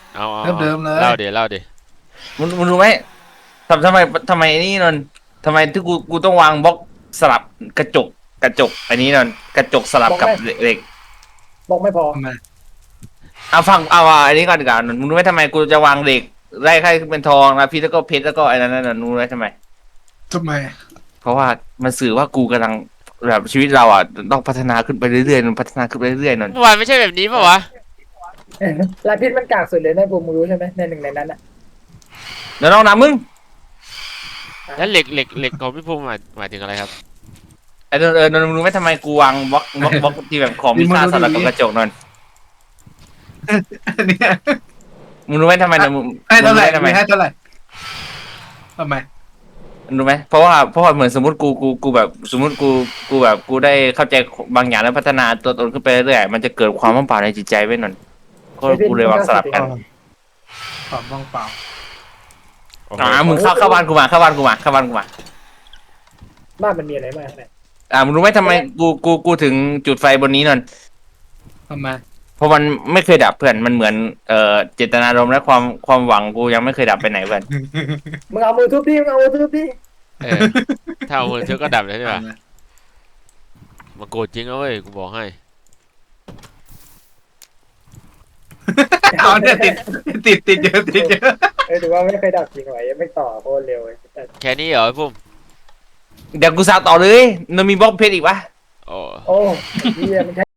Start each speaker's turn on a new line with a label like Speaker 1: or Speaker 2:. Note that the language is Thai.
Speaker 1: เอา
Speaker 2: เดิมเลย
Speaker 1: เล่าเดี๋ยว
Speaker 3: มึงรู้ไหมทำไมนี่นนท์ทำไมที่กูต้องวางบล็อกสลับกระจกอันนี้นนท์กระจกสลับกับ
Speaker 4: บอกไม่
Speaker 3: เหล็ก
Speaker 4: บอกไม่พอ
Speaker 2: ทำไม
Speaker 3: เอาฟังเอาอันนี้ก่อนดีกว่านนท์มึงรู้ไหมทำไมกูจะวางเหล็กไล่ให้เป็นทองนะพี่แล้วก็เพชรแล้วก็ไอ้นั้นน่ะรู้ไหมทำไม
Speaker 2: ทำไม
Speaker 3: เพราะว่ามันสื่อว่ากูกำลังแบบชีวิตเราอ่ะต้องพัฒนาขึ้นไปเรื่อยๆมันพัฒนาขึ้นไปเรื่อยๆนนท์
Speaker 1: เมื่อวานไม่ใช่แบบนี้ป่าวะ
Speaker 4: ลายพิษมันกากสุดเลยนะบูมมึงรู้ใช่ไหมในหนึ่งในนั้นอ่ะ
Speaker 3: เดี๋ยวน้องนะมึง
Speaker 1: แล้วเหล็กของพี่ภูมิหมายถึงอะไรครับ
Speaker 3: ไอ้นนท์มึงรู้ไหมทำไมกูวางบล็อกที่แบบของมีค่าสลับกับกระจกนนท์
Speaker 2: อันเนี้ย
Speaker 3: มึงรู้ไหมทำไมนนท์
Speaker 2: ให้เท่าไหร่
Speaker 3: มึงรู้ทำไม
Speaker 2: มีให้เท่าไหร่ทำไม
Speaker 3: รู้ไหมเพราะว่าเหมือนสมมติกูแบบสมมติกูแบบกูได้เข้าใจบางอย่างแล้วพัฒนาตัวตนขึ้นไปเรื่อยๆมันจะเกิดความว่างเปล่าในจิตใจไว้นนท์ก็กูเลยวางสลับกัน
Speaker 2: ตอบว่างเปล่า
Speaker 1: โอ้โห
Speaker 3: มึงเข้าบ้านกูมาเข้าบ้านกูมา
Speaker 4: บ้านมันมีอะไรบ้างข้างใน
Speaker 3: มึงรู้ไหมทำไมกูถึงจุดไฟบนนี้นนท์
Speaker 2: ทำไม
Speaker 3: เพราะมันไม่เคยดับเพื่อนมันเหมือนเจตนารมณ์และความหวังกูยังไม่เคยดับไปไหนเพื่อน
Speaker 4: มึงเอามือทุบดิมึงเอามือทุบดิ
Speaker 1: เออถ้าเอามือเธอก็ดับเลยใช่ปะมาโกรธจริงเอาเว้ยกูบอกให้
Speaker 2: เอาเนี่ยติดเยอะติดเยอะ
Speaker 4: ถือว่าไม่เคยดับจริงไหวยังไม่ต่อโคตรเร็วเลย
Speaker 1: แค่นี้เหรอพี่ภูมิ
Speaker 3: เดี๋ยวกูสาวต่อเลยนนท์มีบล็อกเพชรอีกปะ
Speaker 1: โอ้
Speaker 4: โอ้เฮียมันใช้